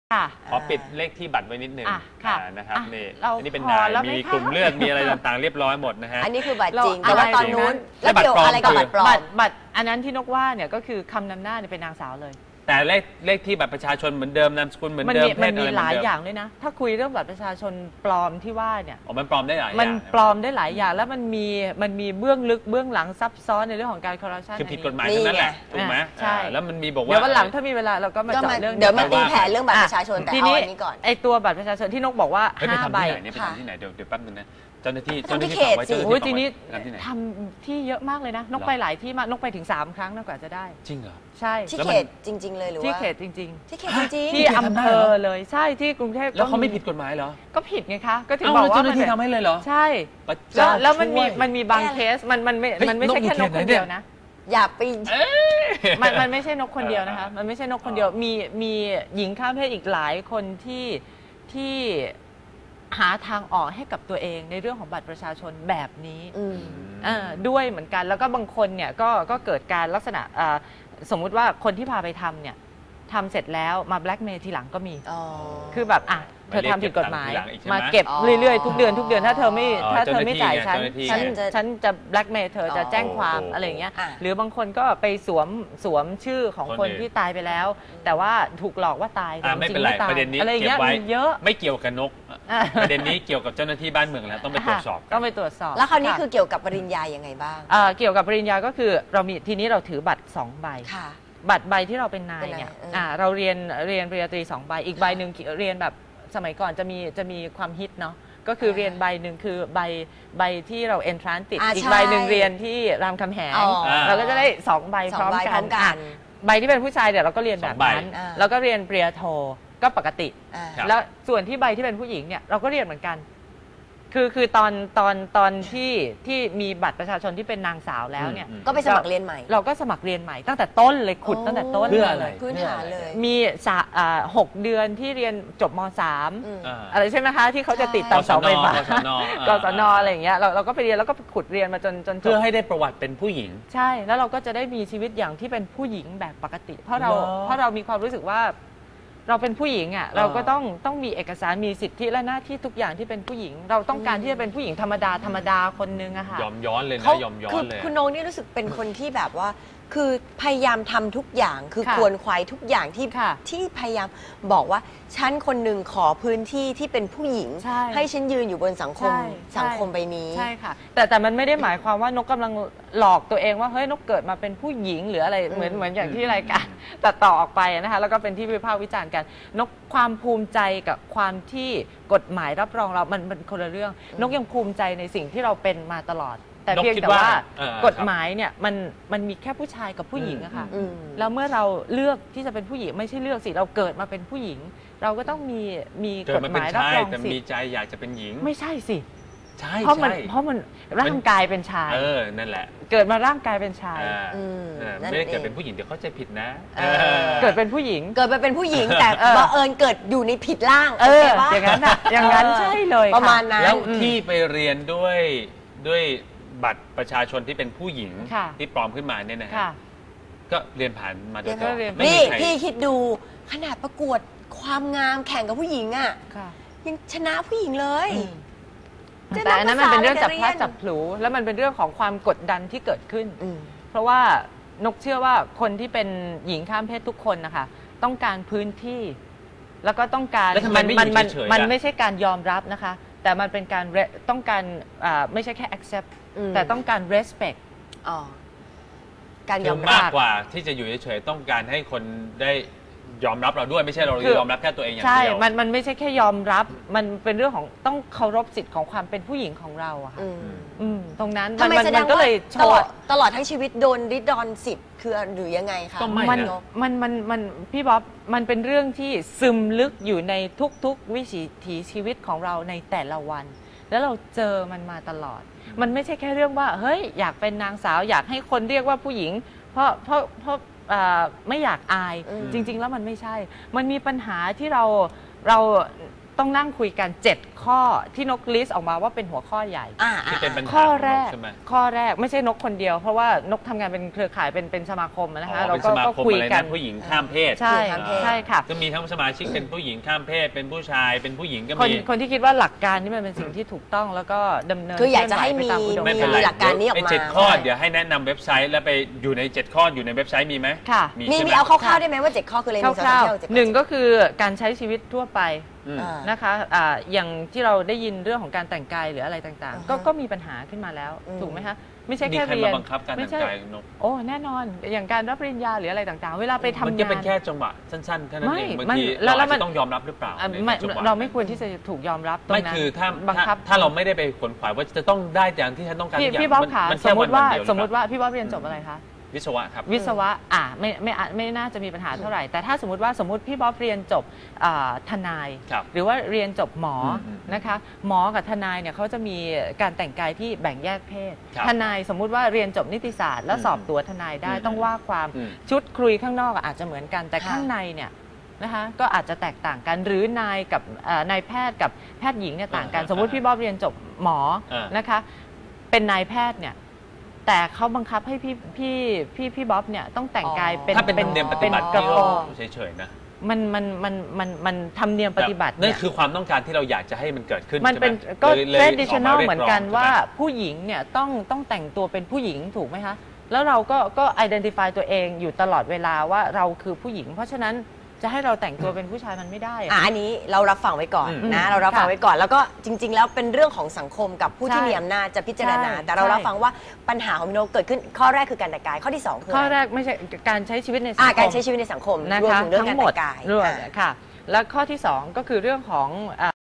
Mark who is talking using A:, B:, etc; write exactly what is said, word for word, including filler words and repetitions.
A: ขอปิดเลขที่บัตรไว้นิดหนึ่งนะครับนี่อันนี้เป็นนายมีกลุ่มเลือดมีอะไรต่างๆเรียบร้อยหมดนะฮะ
B: อันนี้คือบัตรจริงแต่ว่าตอนนู้นแล้วเกี่ยวอะไรกับบัตรปลอม
C: บัตรอันนั้นที่นกว่าเนี่ยก็คือคำนำหน้าเนี่ยเป็นนางสาวเลย
A: แต่เลขเลขที่บัตรประชาชนเหมือนเดิมนามสกุลเหมือนเดิม
C: มันมีหลายอย่างด้วยนะถ้าคุยเรื่องบัตรประชาชนปลอมที่ว่าเนี่ย
A: อ๋อมันปลอมได้หลายอย่าง
C: มันปลอมได้หลายอย่างแล้วมันมีมันมีเบื้องลึกเบื้องหลังซับซ้อนในเรื่องของการคอร์รัปชัน
A: คือผิดกฎหมายทั้งนั้นแหละถูกไหม
C: ใช่
A: แล้วมันมีบอกว่า
C: เดี๋ยววันหลังถ้ามีเวลาเราก็มาเจาะเรื่อง
B: เดี๋ยวมาตีแผ่เรื่องบัตรประชาชนแต่เอาอันนี้ก่อน
C: ไอตัวบัตรประชาชนที่นกบอกว่าห้าใบ
A: ไปทำที่ไหนเดี๋ยวเดี๋ยวแป๊บนึงนะเจ้าหน้าที่
B: เจ้าหน้าที่ฝากไว้
C: โอ้ยทีนี้ทำที่เยอะมากเลยนะนกไปหลายที่มากนกไปถึงสามครั้งน่ากว่าจะได้
A: จริงเหรอ
C: ใช่
B: ที่เขตจริงๆเลยหรือว่า
C: ที่เขตจริง
B: ๆที่เขตจริง
C: ๆที่อำเภอเลยใช่ที่กรุงเทพ
A: แล้วเขาไม่ผิดกฎหมายเหรอ
C: ก็ผิดไงคะก็ถึงบอกว่า
A: เจ้าหน้าที่ทำให้เลยเหรอ
C: ใช่แล้วแล้วมันมีมันมีบางเคสมันมันไม่มันไม่ใช่แค่นกคนเดียวนะ
B: อย่าไป
C: มันมันไม่ใช่นกคนเดียวนะคะมันไม่ใช่นกคนเดียวมีมีหญิงข้ามเพศอีกหลายคนที่ที่หาทางออกให้กับตัวเองในเรื่องของบัตรประชาชนแบบนี้ด้วยเหมือนกันแล้วก็บางคนเนี่ยก็ก็เกิดการลักษณะสมมุติว่าคนที่พาไปทำเนี่ยทำเสร็จแล้วมาแบล็กเมย์ทีหลังก็มีคือแบบอ่ะเธอทำผิดกฎหมายมาเก็บเรื่อยๆทุกเดือนทุกเดือนถ้าเธอไม่ถ้าเธอไม่จ่ายฉันฉันฉันจะแบล็กเมย์เธอจะแจ้งความอะไรอย่างเงี้ยหรือบางคนก็ไปสวมสวมชื่อของคนที่ตายไปแล้วแต่ว่าถูกหลอกว่าตาย
A: แต่จริงไม่ตายประเด็นนี้เก็บไว้เยอะไม่เกี่ยวกับนกประเด็นนี้เกี่ยวกับเจ้าหน้าที่บ้านเมืองแล้วต้องไปตรวจสอบ
C: ต้องไปตรวจสอบ
B: แล้วคราวนี้คือเกี่ยวกับปริญญายังไงบ้าง
C: เกี่ยวกับปริญญาก็คือเรามีทีนี้เราถือบัตรสองใบบัตรใบที่เราเป็นนายเนี่ยเราเรียนเรียนปริญญาตรีสองใบอีกใบหนึ่งเรียนแบบสมัยก่อนจะมีจะมีความฮิตเนาะก็คือเรียนใบหนึ่งคือใบใบที่เราเอนทรานติดอีกใบหนึ่งเรียนที่รามคำแหงเราก็จะได้สองใบพร้อมกันใบที่เป็นผู้ชายเดี๋ยวเราก็เรียนแบบนั้นแล้วก็เรียนปริญญาโทก็ปกติแล้วส่วนที่ใบที่เป็นผู้หญิงเนี่ยเราก็เรียนเหมือนกันคือคือตอนตอนตอนที่ที่มีบัตรประชาชนที่เป็นนางสาวแล้วเนี่ย
B: ก็ไปสมัครเรียนใหม่
C: เราก็สมัครเรียนใหม่ตั้งแต่ต้นเลยขุดตั้งแต่ต้น
A: เพื่ออะไร
B: พื้นฐานเลย
C: มีหกเดือนที่เรียนจบม.สามอะไรใช่ไหมคะที่เขาจะติดตามเสาไฟฟ้ากศนอะไรอย่างเงี้ยเราเราก็ไปเรียนแล้วก็ขุดเรียนมาจนจน
A: เพื่อให้ได้ประวัติเป็นผู้หญิง
C: ใช่แล้วเราก็จะได้มีชีวิตอย่างที่เป็นผู้หญิงแบบปกติเพราะเราเพราะเรามีความรู้สึกว่าเราเป็นผู้หญิงอ่ะเราก็ต้องต้องมีเอกสารมีสิทธิและหน้าที่ทุกอย่างที่เป็นผู้หญิงเราต้องการที่จะเป็นผู้หญิงธรรมดาธรรมดาคนนึงอะค่ะ
A: ยอมย้อนเลยนะยอมย้อนเลย
B: คุณโนนี่รู้สึกเป็นคนที่แบบว่าคือพยายามทำทุกอย่างคือควรควายทุกอย่างที่ที่พยายามบอกว่าฉันคนหนึ่งขอพื้นที่ที่เป็นผู้หญิงให้ฉันยืนอยู่บนสังคมสังคมใบนี้
C: ใช่ค่ะแต่แต่มันไม่ได้หมายความว่านกกำลังหลอกตัวเองว่าเฮ้ยนกเกิดมาเป็นผู้หญิงหรืออะไรเหมือนเหมือนอย่างที่รายการตัดต่อออกไปนะคะแล้วก็เป็นที่วิพากษ์วิจารณ์กันนกความภูมิใจกับความที่กฎหมายรับรองเรามันเป็นคนละเรื่องนกยังภูมิใจในสิ่งที่เราเป็นมาตลอดแต่เพียงแต่ว่ากฎหมายเนี่ยมันมันมีแค่ผู้ชายกับผู้หญิงอะค่ะแล้วเมื่อเราเลือกที่จะเป็นผู้หญิงไม่ใช่เลือกสิเราเกิดมาเป็นผู้หญิงเราก็ต้องมีมีกฎหมายรับรองสิ
A: แต่มีใจอยากจะเป็นหญิง
C: ไม่ใช่สิ
A: ใช่
C: เพราะมันเพราะมันร่างกายเป็นชาย
A: เออนั่นแหละ
C: เกิดมาร่างกายเป็นชาย
A: ไม่ได้เกิดเป็นผู้หญิงเดี๋ยวเข้าใจผิดนะ
C: เกิดเป็นผู้หญิง
B: เกิดมาเป็นผู้หญิงแต่บังเอิญเกิดอยู่ในผิดร่าง
C: เอออย่างนั้นอะอย่างนั้นใช่เลย
B: ประมาณนั้น
A: แล้วที่ไปเรียนด้วยด้วยบัตรประชาชนที่เป็นผู้หญิงที่ปลอมขึ้นมาเนี่ยนะฮะก็เรียนผ่านมาโดยตลอด
B: นี่พี่คิดดูขนาดประกวดความงามแข่งกับผู้หญิงอ่ะยังชนะผู้หญิงเลย
C: แต่อันนั้นมันเป็นเรื่องจับพลัดจับผลูแล้วมันเป็นเรื่องของความกดดันที่เกิดขึ้นเพราะว่านกเชื่อว่าคนที่เป็นหญิงข้ามเพศทุกคนนะคะต้องการพื้นที่แล้วก็ต้องการ
A: มันมัน
C: มันไม่ใช่การยอมรับนะคะแต่มันเป็นการต้องการไม่ใช่แค่ accept แต่ต้องการ respect
B: การยอม
A: รับมากกว่าที่จะอยู่เฉยๆต้องการให้คนได้ยอมรับเราด้วยไม่ใช่เรายอมรับแค่ตัวเองอย่างเดียว
C: ใช่มันมันไม่ใช่แค่ยอมรับมันเป็นเรื่องของต้องเคารพสิทธิ์ของความเป็นผู้หญิงของเราอะค่ะตรงนั้น
B: มันมันก็เลยตลอดตลอดทั้งชีวิตโดนริดรอนสิทธิ์คือหรือยังไงคะ
C: มันมันมันมันพี่บ๊อบมันเป็นเรื่องที่ซึมลึกอยู่ในทุกๆวิถีชีวิตของเราในแต่ละวันแล้วเราเจอมันมาตลอดมันไม่ใช่แค่เรื่องว่าเฮ้ยอยากเป็นนางสาวอยากให้คนเรียกว่าผู้หญิงเพราะเพราะเพราะไม่อยากอายจริงๆแล้วมันไม่ใช่มันมีปัญหาที่เราเราต้องนั่งคุยกันเจ็ดข้อที่นกลิสต์ออกมาว่าเป็นหัวข้อใหญ่
B: อ่า
A: ที่เป็นปัญหา
C: ข้อแรก
A: ใช่ไหม
C: ข้อแรกไม่ใช่นกคนเดียวเพราะว่านกทำงานเป็นเครือข่ายเป็นเป็นสมาคมนะคะ
A: อ๋อ
C: เรา
A: เป็น
C: ก็
A: สมา
C: ก็
A: คม
C: คุย
A: อะไร
C: กั
A: นะ
C: น
A: ผู้หญิงข้ามเพศ
C: ใช่
B: ข้ามเพศ
C: ใช่ค่ะ
A: ก็มีทั้งสมาชิกเป็นผู้หญิงข้ามเพศ เป็นผู้ชายเป็นผู้หญิงก็
C: คน
A: มี
C: คนที่คิดว่าหลักการนี่มันเป็นสิ่งที่ถูกต้องแล้วก็ดำเนิน
B: คืออยากจะให้มี
C: เคลื่อนไหวไปตาอุดม
A: ไม่เป็น
C: ก
A: ไร
B: หลักการนี้ออกมา
A: ไเจ็ดข้อเดี๋ยวให้แนะนำเว็บไซต์แล้วไปอยู่ในเจ็ดข้ออยู่ในเว็บไซต์มีไหม
C: ค่ะ
B: มี
A: ใช่ไห
B: มีเอาคร่าวๆได้ไหมว่าเจ็ดข้อคืออะไร
C: คร่าว
B: เจ็ด
C: ๆหนึ่งก็คือการใช้ชีวิตทั่วไป
A: อืม
B: อ่า
C: นะคะอ่าอย่างที่เราได้ยินเรื่องของการแต่งกายหรืออะไรต่าง
B: อ่าฮะ
C: ๆ ก็ก็มีปัญหาขึ้นมาแล้ว
B: อืม
C: ถูกไหมคะไม่ใช่
A: มี
C: แค่
A: ใคร
C: เรีย
A: มาน บังคับการ
C: ไม่
A: แต่ง
C: ใช่
A: กายนก
C: โอ้แน่นอนอย่างการรับปริญญาหรืออะไรต่างๆ เวลาไปทำ
A: มัน
C: งาน
A: จะเป็นแค่จังหวะสั้นๆแค่นั้นเอง
C: ไม่
A: บางที
C: มันแล้
A: เรา
C: ว
A: อาจ
C: มัน
A: จะต้องยอมรับหรือเปล่า
C: อ่ะ
A: ใน
C: ไม่
A: จังหวะ
C: เราไม่ควรที่จะถูกยอมรับตรง
A: ไม่
C: นั้น
A: คือถ้า
C: บังคับ
A: ถ้าถ้าเราไม่ได้ไปขวนขวายว่าจะต้องได้อย่างที่ฉันต้องการ
C: พี่
A: ทุกอย่าง
C: พี่บ๊อบ
A: มัน
C: ค่ะ
A: มัน
C: ส
A: แค่
C: มม
A: วัน
C: ติว่า
A: เดียว
C: สมมติ
A: หรือเปล่
C: ว่าพี่บ๊อบเรียนจบอะไรคะ
A: วิศวะครับ
C: วิศวะอ่ะไม่ไม่อาจไม่น่าจะมีปัญหาเท่าไหร่ แต่ถ้าสมมติว่าสมมติพี่บ๊อบเรียนจบอ่าทนาย
A: ครับ
C: หรือว่าเรียนจบหมออ
A: มอืม
C: นะคะหมอกับทนายเนี่ยเขาจะมีการแต่งกายที่แบ่งแยกเพศ
A: ครับ
C: ทนายสมมุติว่าเรียนจบนิติศาสตร์แล้ว
A: อืม
C: สอบตัวทนายได้
A: อืม
C: ต้องว่าความ
A: อืม
C: ชุดคุยข้างนอกอาจจะเหมือนกันแต่
B: ค่ะ
C: ข้างในเนี่ยนะคะก็อาจจะแตกต่างกันหรือนายกับเอ่อนายแพทย์กับแพทย์หญิงเนี่ยต่างกัน
A: อ่า
C: สมมุติพี่บ๊อบเรียนจบหมอ
A: อ่าน
C: นะคะเป็นนายแพทย์เนี่ยแต่เขาบังคับให้พี่พี่พี่พี่บ๊อบเนี่ยต้องแต่งกายเป็น
A: ถ้าเป็นธรรมเนียมปฏิบัติ
C: กระ
A: ที่
C: โปร
A: เรา
C: ง
A: เฉยๆนะ
C: มันมันมันมันมันทำเนียมปฏิบัติ
A: นั่
C: เนี่
A: น
C: ย
A: คือความต้องการที่เราอยากจะให้มันเกิดขึ้น
C: มันเป็น
A: ใช่ไห
C: ก็
A: ลยลย
C: traditional
A: การีย
C: เหมือนกัน
A: ร้ง
C: ว่า
A: ใช่ไหม
C: ผู้หญิงเนี่ยต้องต้องแต่งตัวเป็นผู้หญิงถูกไหมคะแล้วเราก็ก็ identify ตัวเองอยู่ตลอดเวลาว่าเราคือผู้หญิง เพราะฉะนั้นจะให้เราแต่งตัวเป็นผู้ชายมันไม่ได้อะ
B: อ่ะอันนี้เรารับฟังไว้ก่อน
A: อืม
B: นะเรารับฟัง
C: ค่ะ
B: ไว้ก่อน แล้วก็จริง ๆ แล้วเป็นเรื่องของสังคมกับผู้ที่
C: ใช่
B: มีอำนาจจะพิจารณา
C: ใช่
B: แต่เรา
C: ใช่
B: รับฟังว่าปัญหาของมิโนเกิดขึ้นข้อแรกคือการแต่งกายข้อที่สองคือ
C: ข้อ
B: อะไร
C: แรกไม่ใช่การใช้ชีวิตในสัง
B: อ่ะ
C: คม
B: การใช้ชีวิตในสังคม
C: นะ
B: รวม
C: คะ
B: ถึงเรื่อง
C: ทั้
B: การ
C: งหม
B: แต่
C: ด
B: งกาย
C: รวม
B: อ่ะ
C: ค่ะ แล้วข้อที่สองก็คือเรื่องของอ่า